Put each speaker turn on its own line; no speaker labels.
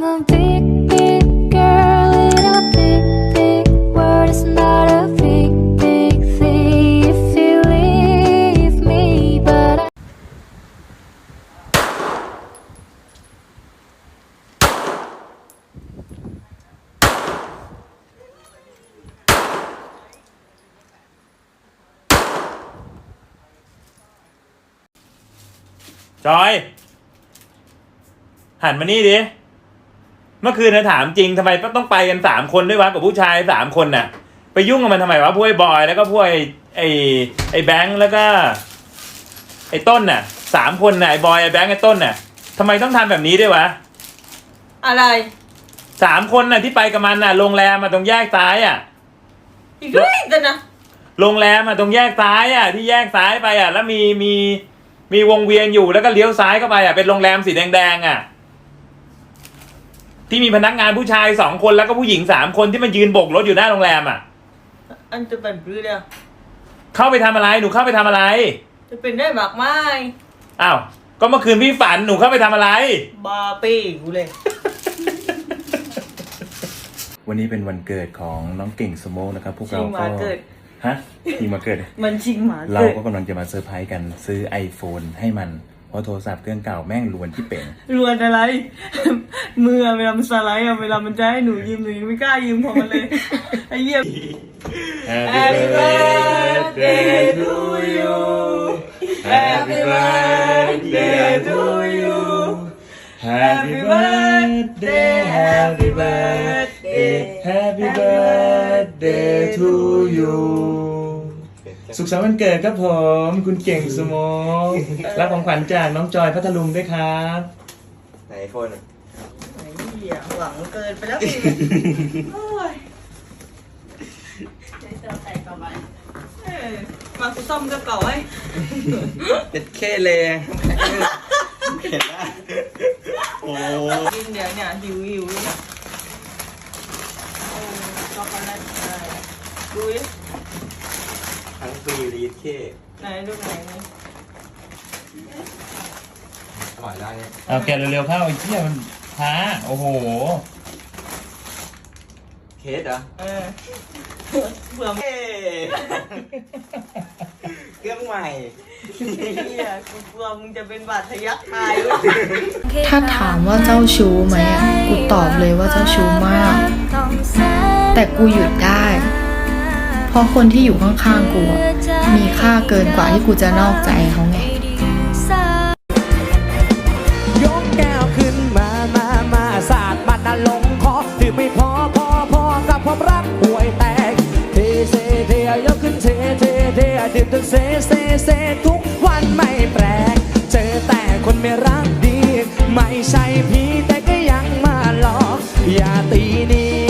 I'm a big, big girl in a big, big world. It's not a big, big thing if you leave me, but I
จอยหันมานี่ดิเมื่อคืนนะถามจริงทำไมต้องไปกัน3 คนด้วยวะกับผู้ชาย3 คนน่ะไปยุ่งกับมันทำไมวะพวกไอ้บอยแล้วก็พวกไอ้แบงค์แล้วก็ไอ้ต้นน่ะ3 คนน่ะไอ้บอยไอ้แบงค์ไอ้ต้นน่ะทำไมต้องทำแบบนี้ด้วยวะ
อะไร
3 คนน่ะที่ไปกับมันน่ะโรงแรมมาตรงแยกซ้ายอ่ะ
อีกด้วยกันนะ
โรงแรมมาตรงแยกซ้ายอ่ะที่แยกซ้ายไปอ่ะแล้วมีวงเวียนอยู่แล้วก็เลี้ยวซ้ายเข้าไปอ่ะเป็นโรงแรมสีแดงๆอ่ะที่มีพนักงานผู้ชาย2 คนแล้วก็ผู้หญิง3 คนที่มันยืนโบกรถอยู่หน้าโรงแรมอ่ะ
อันจะเป็นปลื้มเลย
เข้าไปทำอะไรหนูเข้าไปทำอะไร
จะเป็นได้มากมาย
อ้าวก็เมื่อคืนพี่ฝันหนูเข้าไปทำอะไร
บาปี้กูเลย
วันนี้เป็นวันเกิดของน้องเก่งสโมกนะครับพวกเราก็ฮะชิงมาเกิด
มันชิงหมาเกิด
เราก็กำลังจะมาเซอร์ไพรส์กันซื้อ iPhone ให้มันเพราะโทรศัพท์เครื่องเก่าแม่งรวนที่เป่ง
รวนอะไร มือเวลามันสไลด์เวลามันจะให้หนูยืมหนูยังไม่กล้ายืมของมันเลยไอ้เหี้ย
Happy birthday to you Happy birthday to you Happy birthday Happy birthday Happy birthday to you สุขสันต์วันเกิดครับผมคุณเก่งสโมกรับของขวัญจากน้องจอยพัทลุงด้วยครับ
ไหนโฟน
ไอ้เหี้ยหวังเกินไปแล้วโอ้ยจะใส่ต่อไปมากูซ่อมกระเป๋าไอ้
เป็นเคเลยเห็นไหมโอ้
กินเดี๋ยวเนี่ยหิวเนี่ยโอ้ช็อกโกแลตดูดิ
ทั้งปีรีดเค
ไหนดูไหน
อร่อยได้เนี่ย
เอาแกเร็วๆเข้าไอ้เหี้ยมันช้าโอ้โห
เคสเหรอ
เบื่อ
เครื่องใหม่
เฮียกูกลัวมึงจะเป็นบาดทะยักตาย
ถ้าถามว่าเจ้าชู้ไหมกูตอบเลยว่าเจ้าชู้มากแต่กูหยุดได้เพราะคนที่อยู่ข้างๆกูมีค่าเกินกว่าที่กูจะนอกใจเขาไง
ยกแก้วขึ้นมาสาดมันลงคอดื่มไม่พอกับความรักห่วยแตกเทยกขึ้นเทดื่มจนเซทุกวันไม่แปลกเจอแต่คนไม่รักดีไม่ใช่พี่แต่ก็ยังมาหลอกอย่าตีนี้